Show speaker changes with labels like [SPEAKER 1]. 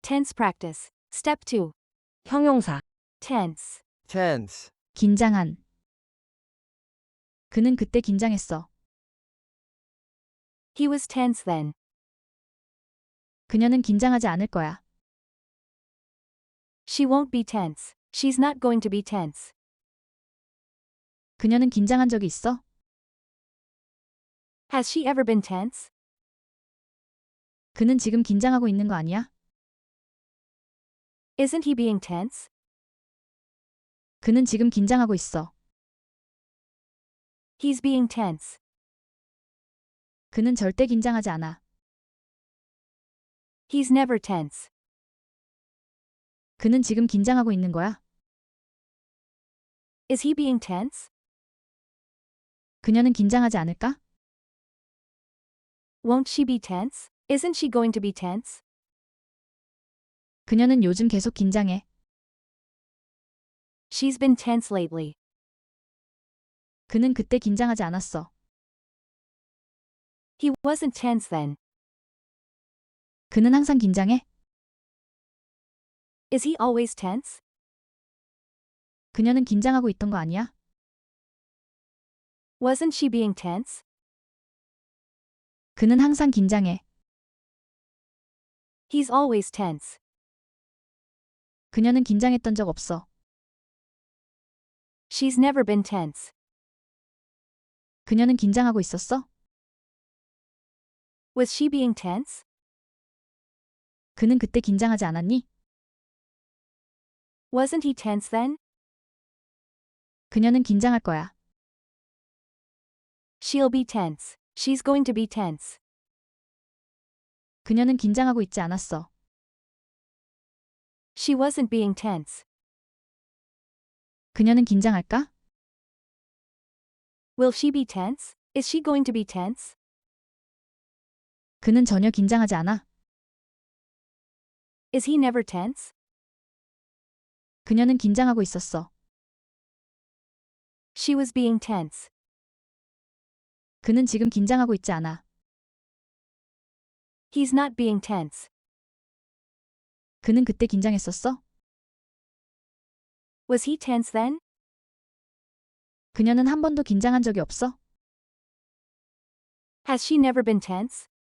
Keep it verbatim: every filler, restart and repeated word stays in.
[SPEAKER 1] Tense practice. Step two.
[SPEAKER 2] 형용사.
[SPEAKER 1] Tense.
[SPEAKER 3] tense,
[SPEAKER 2] 긴장한. 그는 그때 긴장했어.
[SPEAKER 1] He was tense then.
[SPEAKER 2] 그녀는 긴장하지 않을 거야.
[SPEAKER 1] She won't be tense. She's not going to be tense.
[SPEAKER 2] 그녀는 긴장한 적이 있어?
[SPEAKER 1] Has she ever been tense?
[SPEAKER 2] 그는 지금 긴장하고 있는 거 아니야?
[SPEAKER 1] Isn't he being tense?
[SPEAKER 2] 그는 지금 긴장하고 있어.
[SPEAKER 1] He's being tense.
[SPEAKER 2] 그는 절대 긴장하지 않아.
[SPEAKER 1] He's never tense.
[SPEAKER 2] 그는 지금 긴장하고 있는 거야?
[SPEAKER 1] Is he being tense?
[SPEAKER 2] 그녀는 긴장하지 않을까?
[SPEAKER 1] Won't she be tense? Isn't she going to be tense?
[SPEAKER 2] 그녀는 요즘 계속 긴장해.
[SPEAKER 1] She's been tense lately.
[SPEAKER 2] 그는 그때 긴장하지 않았어.
[SPEAKER 1] He wasn't tense then.
[SPEAKER 2] 그는 항상 긴장해?
[SPEAKER 1] Is he always tense?
[SPEAKER 2] 그녀는 긴장하고 있던 거 아니야?
[SPEAKER 1] Wasn't she being tense?
[SPEAKER 2] 그는 항상 긴장해.
[SPEAKER 1] He's always tense.
[SPEAKER 2] 그녀는 긴장했던 적 없어.
[SPEAKER 1] She's never been tense.
[SPEAKER 2] 그녀는 긴장하고 있었어?
[SPEAKER 1] Was she being tense?
[SPEAKER 2] 그는 그때 긴장하지 않았니?
[SPEAKER 1] Wasn't he tense then?
[SPEAKER 2] 그녀는 긴장할 거야.
[SPEAKER 1] She'll be tense. She's going to be tense.
[SPEAKER 2] 그녀는 긴장하고 있지 않았어.
[SPEAKER 1] She wasn't being tense.
[SPEAKER 2] 그녀는 긴장할까?
[SPEAKER 1] Will she be tense? Is she going to be tense?
[SPEAKER 2] 그는 전혀 긴장하지 않아.
[SPEAKER 1] Is he never tense?
[SPEAKER 2] 그녀는 긴장하고 있었어.
[SPEAKER 1] She was being tense.
[SPEAKER 2] 그는 지금 긴장하고 있지 않아.
[SPEAKER 1] He's not being tense.
[SPEAKER 2] 그는 그때 긴장했었어?
[SPEAKER 1] Was he tense then?
[SPEAKER 2] 그녀는 한 번도 긴장한 적이 없어?
[SPEAKER 1] Has she never been tense?